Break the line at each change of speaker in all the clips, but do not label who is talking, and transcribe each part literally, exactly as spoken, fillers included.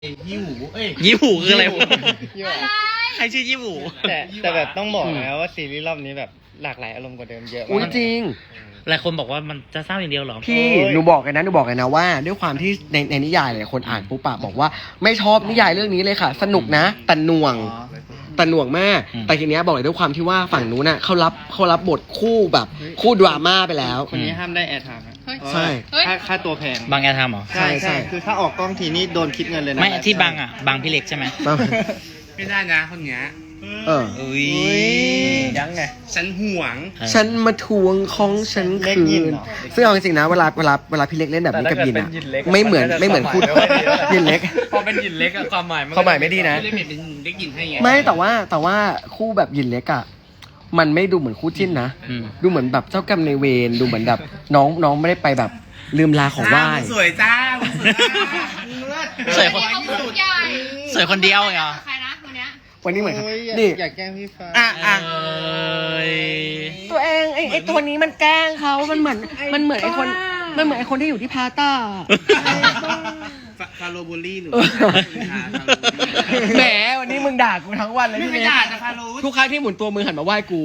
ยี่หูเอ้ย
ยี่หูคืออะไร
ยี่ห้อ
ใครชื่อยี่หู
แต่แต่แบบต้องบอกนะว่าซีรีส์รอบนี้แบบหลากหลายอารมณ์กว่าเดิมเยอะ
อุ้ย
มาก
จริง
หลายคนบอกว่ามันจะเศร้าอย่างเดียวเหรอ
พี่หนูบอกเลยนะหนูบอกเลยนะว่า ด้วยความที่ในในนิยายหลายคนอ่านปุ๊บปะบอกว่าไม่ชอบนิยายเรื่องนี้เลยค่ะ สนุกนะแต่หน่วงแต่หน่วงมาก แต่ทีเนี้ยบอกเลยด้วยความที่ว่าฝั่งนู้นน่ะเขารับเขารับบทคู่แบบคู่ดราม่าไปแล้ว
คนนี้ห้ามได้แอร์ไทม์นะ
ใช่
ค่าค่าตัวแพง
บางแอร์ทำเหรอ
ใช่ใช่
คือถ้าออกกล้องทีนี่โดนคิดเงินเลยนะ
ไม่ที่บางอ่ะบางพี่เล็กใช่ไหม
ไม่ได้นะคนเนี้ย
เออ
อุ้ย
ยังไง
ฉันห่วง
ฉันมาทวงของฉัน
เล็ก
คื
ยิน
น
เหรอ
ซึ่งเอาจริงๆนะเวลาเวลาเวลาพี่เล็กเล่นแบบนี้กับยินอ่ะไม่เหมือนไม่เหมือนคู่ยินเล็ก
พอเป็นหยินเล็กอะความหมายมัน
ความหมายไม่ดีนะ
เล่นเป็นเล็กหยินให้ไง
ไม่แต่ว่าแต่ว่าคู่แบบยินเล็กอ่ะมันไม่ดูเหมือนคู่จิ้นนะ
อืม
ดูเหมือนแบบเจ้ากรรมนายเวรดูเหมือนแบบน้องน้องไม่ได้ไปแบบลืมลาของไหว้
จ้ามึงสวยจ้ามึงสวยจ้า
สวยคน
ที่สุด
สวยคนเดียวเหรอ
ใครนะคนเนี้ย
วันนี้เหมือน
โอ้ยอยาก
นี่
อยากแกล้งพี่ฟ้า
อ่ะอ่ะ
เอ้ย
ตัวเองไอ้ไอ้ตัวนี้มันแกล้งเขามันเหมือนมันเหมือนไอ้คนมันเหมือนไอ้คนที่อยู่ที่พาต้า
ฟาโรบูลลี่หรือ
เออ แหมวันนี้มึงด่ากูทั้งวันเลย
ไม่
พี่
ไม่
เล็ก
ด่าจะฟาโร
ทุกครั้งที่หมุนตัวมือหันมาไหว้กู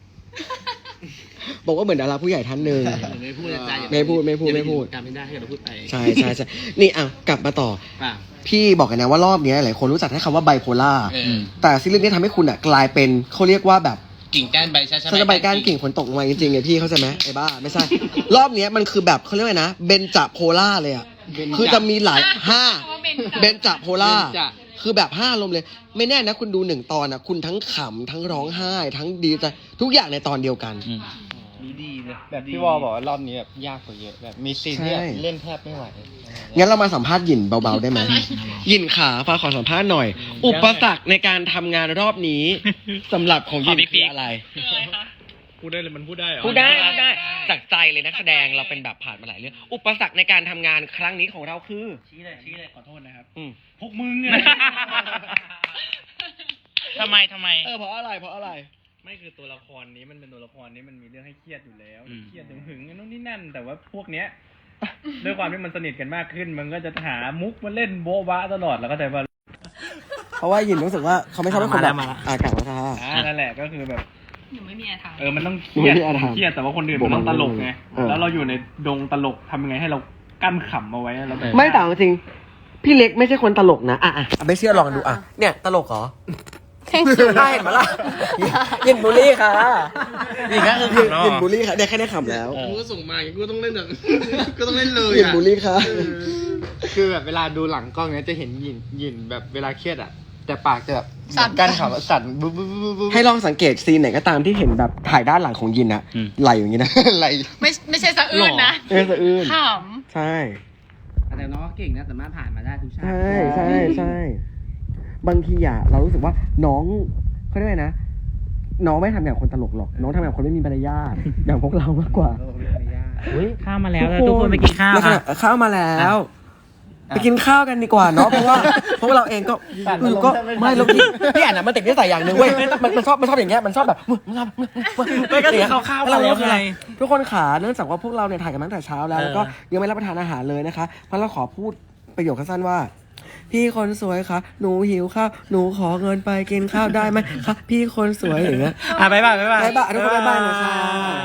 บอกว่าเหมือนดาราผู้ใหญ่ท่านหนึ่ง
ไม่พูดนะจ้า
ไม่พูดไม่พูดไม่พูด
จำไม่ได้ให้เราพูดไป
ใช่ใช่ใช่นี่อ่ะกลับมาต่อ
ป่ะ
พี่บอกกันนะว่ารอบนี้หลายคนรู้จักแค่คำว่าไบโพล่า
เออ
แต่ซีรีส์นี้ทำให้คุณอ่ะกลายเป็นเขาเรียกว่าแบบ
กิ่งก้านใบช้า
สบายการกิ่งฝนตกลงมาจริงๆไงพี่เข้าใจไหมไอ้บ้าไม่ใช่ รอบนี้มันคือแบบเขาเรียกว่าไงนะเบนจาโพล่าเลยอ่ะคือจะมีหลายห้าเบนจาโพล่าคือแบบห้าลมณ์เลย ไม่แน่นะคุณดูหนึ่งตอนนะคุณทั้งขำทั้งร้องไห้ ทั้งดีใจทุกอย่างในตอนเดียวกัน
อืม
ดีดีเลย
แบบพี่วอลบอกว่ารอบนี้แบบยากกว่าเยอะแบบมีซีนที่แบบเล่นแทบไม่ไหว
งั้นเรามาสัมภาษณ์หยินเบาๆได้ไหมหยินขาฟ้าขอสัมภาษณ์หน่อย อุปสรรคในการทำงานรอบนี้สำหรับของหยินคืออะไร
พูดได้เลยมันพูดได้เหรอ
พูดได้พูดได้จากใจเลยนักแสดงเราเป็นแบบผ่านมาหลายเรื่องอุปสรรคในการทำงานครั้งนี้ของเราคือ
ชี้เลยชี้เลยขอโทษนะครับ
อืม
พวกมึงเนี่ย
ทำไมทำไม
เออเพราะอะไรเพราะอะไร
ไม่คือตัวละครนี้มันเป็นตัวละครนี้มันมีเรื่องให้เครียดอยู่แล้ว
อืม
เครียดถึงหึงๆนู่นนี่นั่น แต่ว่าพวกเนี้ย ด้วยความที่มันสนิทกันมากขึ้น มันก็จะหามุกมาเล่นโบ๊ะบ้าตลอดแล้วก็แต่ว่า
เพราะว่าหยินรู้สึกว่าเขาไม่ชอบให้คนแบบอากาศมาท่า
อ่านั่นแหละก็คือแบบ
หนูไม่มีอะไรทำ
เออมันต้องเค
ไม่
รียด
มีอะไรทำ
เครียดแต่ว่าคนอื่นมันต้องตลกไง
เออ
แล้วเราอยู่ในดงตลกทำยังไงให้เรากั้นขำเอาไว้แล้วแบบ
ไม่แต่เอาจริงพี่เล็กไม่ใช่คนตลกนะอ่ะอ่ะไม่เชื่อลองดูอ่ะเนี่ยตลกเหรอได้เห็นไหมล่ะหยินบูลลี่ค่ะ
นี่ก็คือ
หยิน
ขำเนาะ
หยินบูลลี่ค่ะได้แค่ได้ขำแล้ว
กูก็ส่งมากูก็ต้องเล่นแบบ ก็ต้องเล่นเลย
หยิน
อ่ะ
บูลลี่ค่ะ
คือแบบเวลาดูหลังกล้องเนี้ยจะเห็นหยินหยินแบบเวลาเครียดอ่ะ แต่ปากจะแบบ
สั่น
กั้นขำสั่นบุ๊บบุ๊บบุ๊บบุ๊บ
ให้ลองสังเกตซีนไหนก็ตามที่เห็นแบบถ่ายด้านหลังของยินอะไหลอย่างนี้นะ ไหล
ไม่ไม่ใช่สะอื้นนะ
เออสะอื้น
ข
ใช่
แต่น้องเก่งนะสามารถผ่านมาได้ทุกชาติ
ใช่ใช่ใช่บางทีอะเรารู้สึกว่าน้องเขาเรียกว่าไงนะ น้องไม่ทำอย่างคนตลกหรอก น้องทำอย่างคนไม่มีมารยาทอย่างพวกเรามากกว่า
อุ้ยข้าวมาแล้วแล้วทุกคนไปกินข้าว
แล้วขณะ
อ่ะ
ข้าวมาแล้ว ไปกินข้าวกันดีกว่าเนาะเพราะว่าเพราะว่าเราเองก็เออก็ไม่เราพี่พี่อ่านอะมันติดนิสัยอย่างหนึ่งเว้ยมันมันชอบมันชอบอย่างเงี้ยมันชอบแบบมันชอบ
ไม่ก็คือข้าวๆมาแล้วไง
ทุกคนขาเนื่องจากว่าพวกเราเนี่ยถ่ายกันมาตั้งแต่เช้าแล้ว
เออ
แล้วก็ยังไม่รับประทานอาหารเลยนะคะเพราะเราขอพูดประโยคสั้นๆว่า พี่คนสวยคะหนูหิวข้าวหนูขอเงินไปกินข้าวได้ไหมคะพี่คนสวยอย่างเงี้ย
อ่ะบ๊ายบายบ๊ายบาย
บ๊ายบายทุกคนบ๊ายบายนะคะ